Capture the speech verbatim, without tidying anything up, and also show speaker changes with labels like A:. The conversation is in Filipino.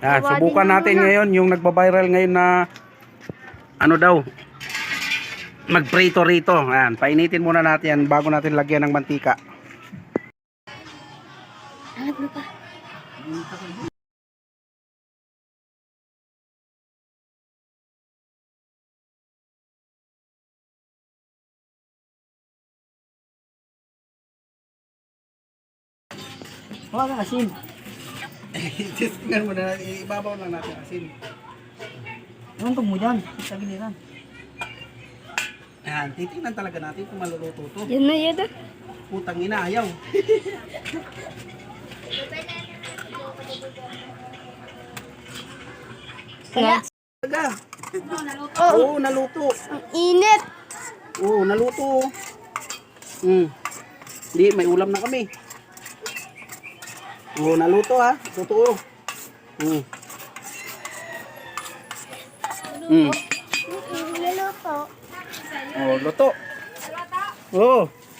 A: Yan, subukan natin ngayon yung nagba-viral ngayon na ano daw, magprito rito. Ayan, painitin muna natin yan bago natin lagyan ng mantika.
B: Hangat mo pa.
C: Wala na asin.
A: Tingnan mo na, ibabaw lang natin asin.
C: Anong tog mo dyan? Sa giliran.
A: Ayan, titingnan talaga natin kung maluluto to.
B: Yan na yan.
A: Putang ina, ayaw.
B: Wala.
A: Talaga.
B: Oh,
A: Oo, naluto.
B: ang init.
A: Oo, naluto. Hmm. Hindi, may ulam na kami. Oo, naluto ha. Totoo. Hmm. Hmm.
B: Luluto.
A: Oh, luto. Oo.